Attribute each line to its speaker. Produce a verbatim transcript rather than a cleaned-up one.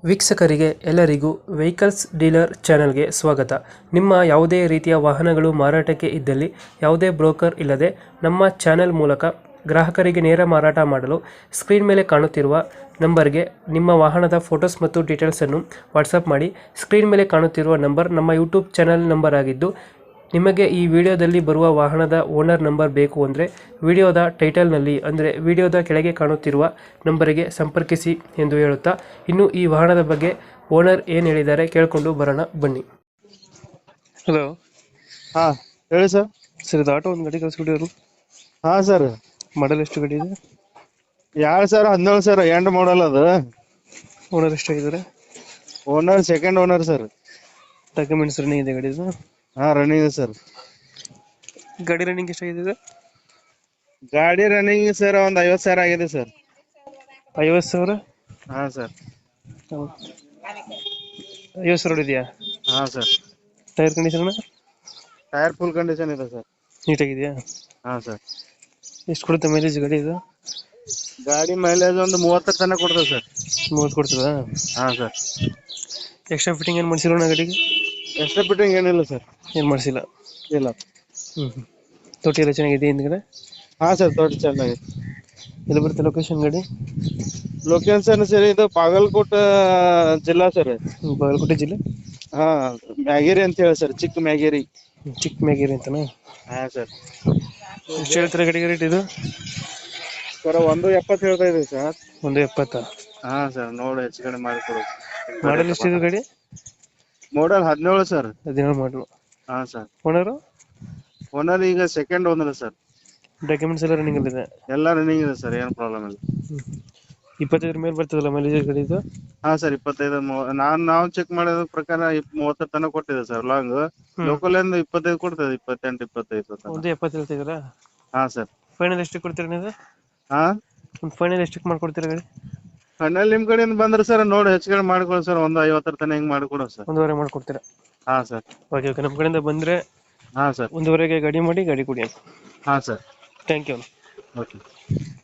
Speaker 1: ವೀಕ್ಷಕರಿಗೆ ಎಲ್ಲರಿಗೂ vehicles dealer ಚಾನೆಲ್ಗೆ ಸ್ವಾಗತ. ನಿಮ್ಮ ಯಾವುದೇ ರೀತಿಯ ವಾಹನಗಳು ಮಾರಾಟಕ್ಕೆ ಇದ್ದಲ್ಲಿ ಯಾವುದೇ ಬ್ರೋಕರ್ ಇಲ್ಲದೆ ನಮ್ಮ ಚಾನೆಲ್ ಮೂಲಕ ಗ್ರಾಹಕರಿಗೆ ನೇರ ಮಾರಾಟ ಮಾಡಲು ಸ್ಕ್ರೀನ್ ಮೇಲೆ ಕಾಣುತ್ತಿರುವ ನಂಬರ್ಗೆ ನಿಮ್ಮ ವಾಹನದ ಫೋಟೋಸ್ ಮತ್ತು ಡೀಟೇಲ್ಸನ್ನು ವಾಟ್ಸಪ್ ಮಾಡಿ. ಸ್ಕ್ರೀನ್ ಮೇಲೆ ಕಾಣುತ್ತಿರುವ ನಂಬರ್ ನಮ್ಮ ಯೂಟ್ಯೂಬ್ ಚಾನೆಲ್ ನಂಬರ್ ಆಗಿದ್ದು, ನಿಮಗೆ ಈ ವಿಡಿಯೋದಲ್ಲಿ ಬರುವ ವಾಹನದ ಓನರ್ ನಂಬರ್ ಬೇಕು ಅಂದರೆ ವಿಡಿಯೋದ ಟೈಟಲ್ನಲ್ಲಿ ಅಂದರೆ ವಿಡಿಯೋದ ಕೆಳಗೆ ಕಾಣುತ್ತಿರುವ ನಂಬರಿಗೆ ಸಂಪರ್ಕಿಸಿ ಎಂದು ಹೇಳುತ್ತಾ, ಇನ್ನು ಈ ವಾಹನದ ಬಗ್ಗೆ ಓನರ್ ಏನು ಹೇಳಿದ್ದಾರೆ ಕೇಳಿಕೊಂಡು ಬರೋಣ ಬನ್ನಿ. ಹಲೋ,
Speaker 2: ಹಾ ಹೇಳಿ ಸರ್.
Speaker 1: ಸರ್ ಇದು ಆಟೋ ಒಂದು ಗಾಡಿ ಕಳಿಸ್ಬಿಟ್ಟಿದ್ರು.
Speaker 2: ಹಾ ಸರ್,
Speaker 1: ಮಾಡಲ್ ಎಷ್ಟು ಗಾಡಿ ಇದೆ?
Speaker 2: ಎರಡು ಸಾವಿರ ಹದಿನೇಳು ಸರ್, ಎಂಡ್ ಮಾಡಲ್ ಅದು.
Speaker 1: ಓನರ್ ಎಷ್ಟಾಗಿದ್ದಾರೆ?
Speaker 2: Owner second owner sir.
Speaker 1: Documents running ಇದೆ ಗಾಡಿದು?
Speaker 2: ಹಾ ರನ್ನಿಂಗ್ ಇದೆ ಸರ್.
Speaker 1: ಗಾಡಿ ರನ್ನಿಂಗ್ ಎಷ್ಟಾಗಿದೆ?
Speaker 2: ಗಾಡಿ ರನ್ನಿಂಗ್ ಸರ್ ಒಂದ್ ಐವತ್ ಸಾವಿರ ಆಗಿದೆ ಸರ್.
Speaker 1: ಐವತ್ತು ಸಾವಿರ?
Speaker 2: ಹಾ ಸರ್.
Speaker 1: ಐವತ್ತು ಸಾವಿರ ಇದೆಯಾ?
Speaker 2: ಹಾ sir.
Speaker 1: Tyre condition?
Speaker 2: Tyre full condition ಇದೆ ಸರ್.
Speaker 1: ನೀಟಾಗಿದೆಯಾ?
Speaker 2: ಹಾ ಸರ್.
Speaker 1: ಎಷ್ಟು ಕೊಡುತ್ತೆ ಮೈಲೇಜ್ ಗಾಡಿ ಇದು?
Speaker 2: ಗಾಡಿ ಮೈಲೇಜ್ ಒಂದು ಮೂವತ್ತರ ತನಕ ಕೊಡ್ತದೆ ಸರ್.
Speaker 1: ಮೂವತ್ತು ಕೊಡ್ತದಾ?
Speaker 2: ಹಾ ಸರ್.
Speaker 1: ಎಕ್ಸ್ಟ್ರಾ ಫಿಟ್ಟಿಂಗ್ ಏನು ಮಾಡಿಸಿರೋಣ ಗಾಡಿಗೆ?
Speaker 2: ಎಕ್ಸ್ಟ್ರಾ ಫಿಟ್ಟಿಂಗ್ ಏನಿಲ್ಲ ಸರ್.
Speaker 1: ಏನು ಮಾಡಿಸಿಲ್ಲ?
Speaker 2: ಇಲ್ಲ.
Speaker 1: ಹ್ಞೂ ಹ್ಞೂ ತೊಟ್ಟಿ ಎಲ್ಲ ಚೆನ್ನಾಗಿದೆ ಹಿಂದ್ಗಡೆ?
Speaker 2: ಹಾ ಸರ್, ತೋಟ ಚೆನ್ನಾಗಿದೆ.
Speaker 1: ಎಲ್ಲಿ ಬರುತ್ತೆ ಲೊಕೇಶನ್ ಗಾಡಿ?
Speaker 2: ಲೊಕೇಶನ್ ಸರ್ ಇದು ಬಾಗಲಕೋಟೆ ಜಿಲ್ಲಾ ಸರ್.
Speaker 1: ಬಾಗಲಕೋಟೆ ಜಿಲ್ಲೆ?
Speaker 2: ಹಾ, ಮ್ಯಾಗೇರಿ ಅಂತ ಹೇಳಿ ಸರ್, ಚಿಕ್ಕ ಮ್ಯಾಗೇರಿ.
Speaker 1: ಚಿಕ್ಕ ಮ್ಯಾಗೇರಿ ಅಂತನಾ?
Speaker 2: ಹಾ ಸರ್.
Speaker 1: ಎಷ್ಟು ಹೇಳ್ತಾರೆ ಗಾಡಿಗೆ ರೇಟ್ ಇದು?
Speaker 2: ಸರ್ ಒಂದು ಎಪ್ಪತ್ತು ಹೇಳ್ತಾ ಇದೆ ಸರ್.
Speaker 1: ಒಂದು ಎಪ್ಪತ್ತಾ?
Speaker 2: ಹಾ ಸರ್, ನೋಡಿ ಹೆಚ್ಚು ಕಡಿಮೆ ಮಾಡಿಕೊಡು.
Speaker 1: ಮಾಡಲ್ ಎಷ್ಟಿದೆ ಗಾಡಿ?
Speaker 2: ಮಾಡಲ್ ಹದಿನೇಳು ಸರ್.
Speaker 1: ಹದಿನೇಳು ಮಾಡಲು.
Speaker 2: ಹಾ ಸರ್.
Speaker 1: ಓನರು?
Speaker 2: ಓನರ್ ಈಗ ಸೆಕೆಂಡ್ ಓನರ್ ಸರ್.
Speaker 1: ಡಾಕ್ಯುಮೆಂಟ್ಸ್ ಎಲ್ಲ ರನ್ನಿಂಗ್ ಅಲ್ಲಿದೆ?
Speaker 2: ಎಲ್ಲ ರನ್ನಿಂಗ್ ಇದೆ ಸರ್, ಏನು ಪ್ರಾಬ್ಲಮ್ ಇಲ್ಲ.
Speaker 1: ಇಪ್ಪತ್ತೈದರ ಮೇಲೆ ಬರ್ತದಲ್ಲ ಮೈಲೇಜ್ ಗಾಡಿ ಇದು?
Speaker 2: ಹಾ ಸರ್, ಇಪ್ಪತ್ತೈದು. ನಾನ್ ನಾವು ಚೆಕ್ ಮಾಡೋದ ಪ್ರಕಾರ ಮೂವತ್ತರ ತನಕ ಕೊಟ್ಟಿದೆ ಸರ್. ಲಾಂಗ್ ಲೋಕಲ್ ಇಂದ ಇಪ್ಪತ್ತೈದು ಕೊಡ್ತದೆ, ಇಪ್ಪತ್ತೆಂಟು ಇಪ್ಪತ್ತೈದು.
Speaker 1: ಒಂದು ಎಪ್ಪತ್ತು ಹೇಳ್ತಿದ್ದೀರಾ?
Speaker 2: ಹಾ ಸರ್.
Speaker 1: ಫೈನಲ್ ಎಷ್ಟು ಕೊಡ್ತೀರಾ ನೀವು?
Speaker 2: ಹಾ,
Speaker 1: ಒಂದು ಫೈನಲ್ ಎಷ್ಟಕ್ಕೆ ಮಾಡ್ಕೊಡ್ತೀರಾ ಗಾಡಿ?
Speaker 2: ಫೈನಲ್ ನಿಮ್ ಕಡೆಯಿಂದ ಬಂದ್ರೆ ಸರ್ ನೋಡಿ ಹೆಚ್ಚು ಕಡಿಮೆ ಮಾಡ್ಕೊಡಿ ಸರ್. ಒಂದು ಐವತ್ತರ ತನಕ ಹಿಂಗ್ ಮಾಡ್ಕೊಡೋ ಸರ್.
Speaker 1: ಒಂದೂವರೆ ಮಾಡ್ಕೊಡ್ತೀರಾ?
Speaker 2: ಹಾ ಸರ್.
Speaker 1: ಓಕೆ ಓಕೆ, ನಮ್ಮ ಕಡೆಯಿಂದ ಬಂದರೆ
Speaker 2: ಹಾ ಸರ್,
Speaker 1: ಒಂದೂವರೆಗೆ ಗಾಡಿ ಮಾಡಿ ಗಾಡಿ ಕೊಡಿ.
Speaker 2: ಹಾ ಸರ್.
Speaker 1: Thank you.
Speaker 2: ಓಕೆ.